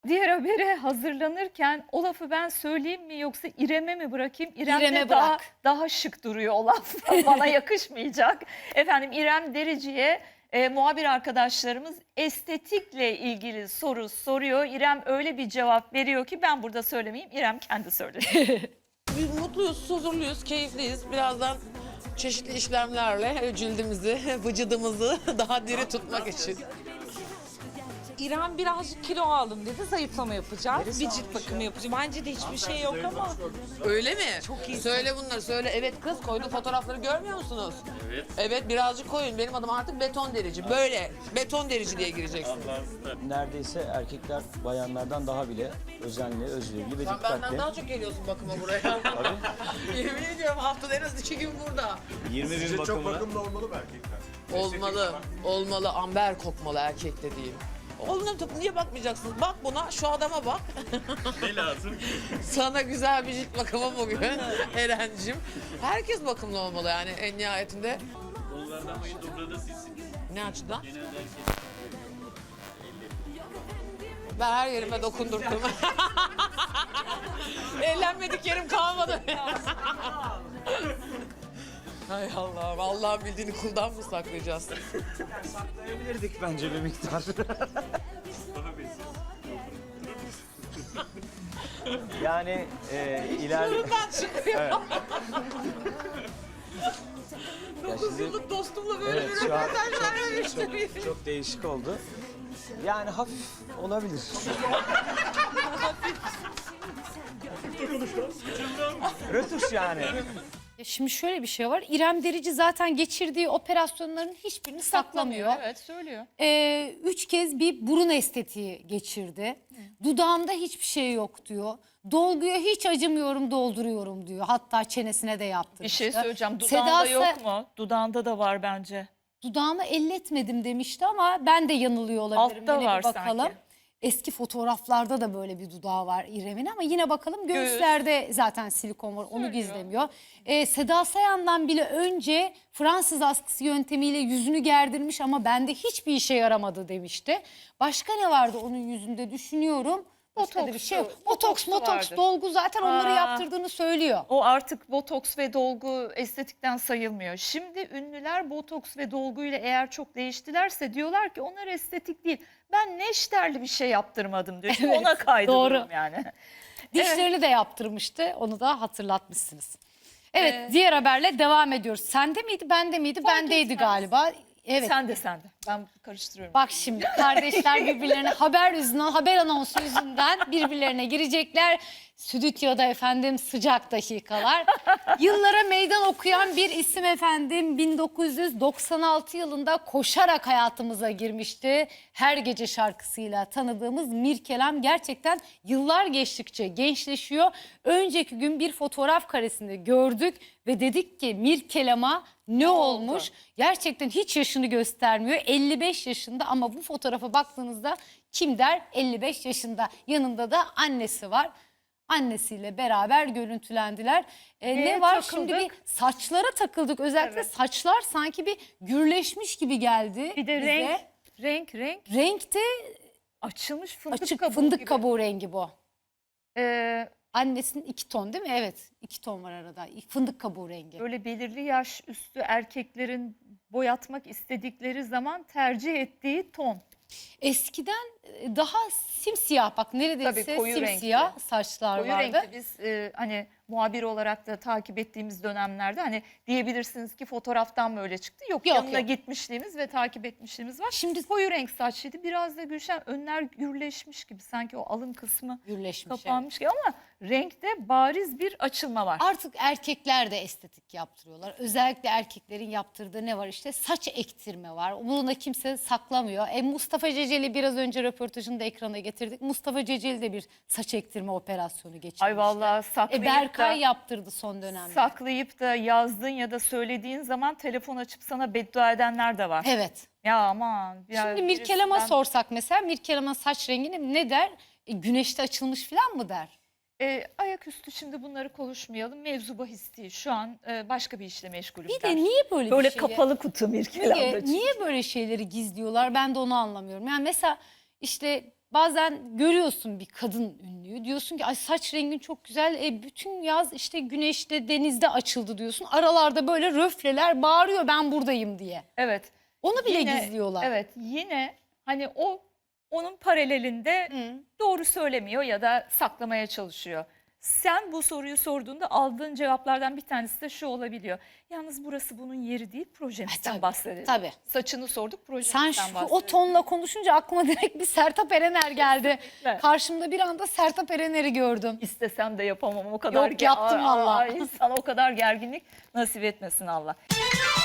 Diğer habere hazırlanırken o lafı ben söyleyeyim mi yoksa İrem'e mi bırakayım? İrem'de İrem'e daha, bırak. daha şık duruyor o laf. Bana yakışmayacak. Efendim İrem Derici'ye muhabir arkadaşlarımız estetikle ilgili soru soruyor. İrem öyle bir cevap veriyor ki ben burada söylemeyeyim. İrem kendi söyledi. Biz mutluyuz, huzurluyuz, keyifliyiz. Birazdan çeşitli işlemlerle cildimizi, vücudumuzu daha diri tutmak için. İrem birazcık kilo aldım dedi, zayıflama yapacağız. Bir cilt bakımı yapacağım. Bence de hiçbir şey yok ama. Öyle mi? Çok iyi. Söyle bunları, söyle. Evet kız, koyduğu fotoğrafları görmüyor musunuz? Evet. Evet, birazcık koyun. Benim adım artık beton derici. Böyle beton derici diye gireceksin. Neredeyse erkekler bayanlardan daha bile özenli, özverili ve Sen dikkatli. benden daha çok geliyorsun bakıma buraya. Tabii. Yemin ediyorum haftada en az 2 gün burada. 20 bin Sizce çok bakımına. bakımlı olmalı mı erkekler? Olmalı, olmalı. Amber kokmalı erkek dediğim. Oğlum niye bakmayacaksınız? Bak buna, şu adama bak. Ne lazım? Sana güzel bir cilt bakımı bugün Eren'cim. Herkes bakımlı olmalı yani en nihayetinde. Onlardan en dobra da sizsiniz. Ne açıdan? Genelde erkek. Ben her yerime dokundurdum. Eğlenmedik yerim kalmadı. Hay Allah'ım, Allah'ın bildiğini kuldan mı saklayacağız? Saklayabilirdik bence bir miktar. Mustafa Bey siz. Yani ileride... Bundan çıkıyor. Evet. Ya 9 şimdi- yıllık dostumla böyle Evet, bir şu an röportaj vermemiştim. çok değişik oldu. Yani hafif olabilir. Rötuş yani. Şimdi şöyle bir şey var. İrem Derici zaten geçirdiği operasyonların hiçbirini saklamıyor. Evet söylüyor. 3 kez bir burun estetiği geçirdi. Dudağımda hiçbir şey yok diyor. Dolguya hiç acımıyorum, dolduruyorum diyor. Hatta çenesine de yaptırmıştı. Bir şey söyleyeceğim. Dudağında Seda yok mu? Dudağında da var bence. Dudağımı elletmedim demişti ama ben de yanılıyor olabilirim. Altta Yine bir var bakalım. sanki. Eski fotoğraflarda da böyle bir dudağı var İrem'in ama yine bakalım göğüslerde zaten silikon var, onu gizlemiyor. Seda Sayan'dan bile önce Fransız askısı yöntemiyle yüzünü gerdirmiş ama bende hiçbir işe yaramadı demişti. Başka ne vardı onun yüzünde düşünüyorum. Başka da bir şey yok. Botoks, Botoksu vardı. dolgu zaten onları Aa. yaptırdığını söylüyor. O artık botoks ve dolgu estetikten sayılmıyor. Şimdi ünlüler botoks ve dolguyla eğer çok değiştilerse diyorlar ki onlar estetik değil. Ben neşterli bir şey yaptırmadım diyor. Şimdi Evet, ona kaydı doğru. durum yani. Dişlerini de yaptırmıştı. Onu da hatırlatmışsınız. Evet, Ee, diğer haberle devam ediyoruz. Sende miydi, bende miydi? Bendeydi etmez. galiba. Evet. Sen de. Ben karıştırıyorum. Bak şimdi kardeşler birbirlerine haber yüzünden, haber anonsu yüzünden birbirlerine girecekler. Stüdyoda efendim sıcak dakikalar. Yıllara meydan okuyan bir isim efendim 1996 yılında koşarak hayatımıza girmişti. Her gece şarkısıyla tanıdığımız Mirkelem gerçekten yıllar geçtikçe gençleşiyor. Önceki gün bir fotoğraf karesinde gördük ve dedik ki Mirkelam'a ne olmuş? Gerçekten hiç yaşını göstermiyor. 55 yaşında ama bu fotoğrafa baktığınızda kim der? 55 yaşında. Yanında da annesi var. Annesiyle beraber görüntülendiler. Ne var şimdi takıldık. bir saçlara takıldık. Özellikle Evet. saçlar sanki bir gürleşmiş gibi geldi Bir de bize. renk Renkte açılmış fındık açık kabuğu fındık gibi. kabuğu rengi bu. Ee, Annesinin 2 ton değil mi? Evet, 2 ton var arada. Fındık kabuğu rengi. Böyle belirli yaş üstü erkeklerin boyatmak istedikleri zaman tercih ettiği ton. Eskiden daha simsiyah, bak neredeyse Tabii, koyu simsiyah renkli. saçlar Koyu vardı. renkli biz hani muhabir olarak da takip ettiğimiz dönemlerde hani diyebilirsiniz ki fotoğraftan mı öyle çıktı? Yok, Yok, yanına yok. gitmişliğimiz ve takip etmişliğimiz var. Şimdi Koyu renk saçlıydı. Biraz da Gülşen önler gürleşmiş gibi sanki o alın kısmı gürleşmiş. evet. kapanmış gibi ama renkte bariz bir açılma var. Artık erkekler de estetik yaptırıyorlar. Özellikle erkeklerin yaptırdığı ne var işte? Saç ektirme var. Bunu da kimse saklamıyor. Mustafa Ceceli biraz önce röportajını da ekrana getirdik. Mustafa Ceceli de bir saç ektirme operasyonu geçirmişti. Ay vallahi saklayıp Berkay da, yaptırdı son dönemde. saklayıp da yazdığın ya da söylediğin zaman telefon açıp sana beddua edenler de var. Evet. Ya aman. Ya Şimdi Mirkelam'a birisinden- sorsak mesela Mirkelam'ın saç rengini ne der? Güneşte açılmış falan mı der? Ayaküstü şimdi bunları konuşmayalım. Mevzu bahis değil. Şu an başka bir işle meşgulüm Bir der. de niye böyle Böyle bir şeyi... kapalı kutu Mirkelam'da. Niye böyle şeyleri gizliyorlar? Ben de onu anlamıyorum. Yani mesela işte bazen görüyorsun bir kadın ünlüyü. Diyorsun ki ay saç rengin çok güzel. Bütün yaz işte güneşte, denizde açıldı diyorsun. Aralarda böyle röfleler bağırıyor ben buradayım diye. Evet. Onu bile Yine- gizliyorlar. Evet, yine hani onun paralelinde Hı. doğru söylemiyor ya da saklamaya çalışıyor. Sen bu soruyu sorduğunda aldığın cevaplardan bir tanesi de şu olabiliyor. Yalnız burası bunun yeri değil, projemizden tabii, bahsedelim. tabii. Saçını sorduk, projemizden Sen bahsedelim. o tonla konuşunca aklıma direkt bir Sertab Erener geldi. Kesinlikle. Karşımda bir anda Sertab Erener'i gördüm. İstesem de yapamam o kadar. Yok, yaptım Ay, valla. ay, sana o kadar gerginlik nasip etmesin Allah.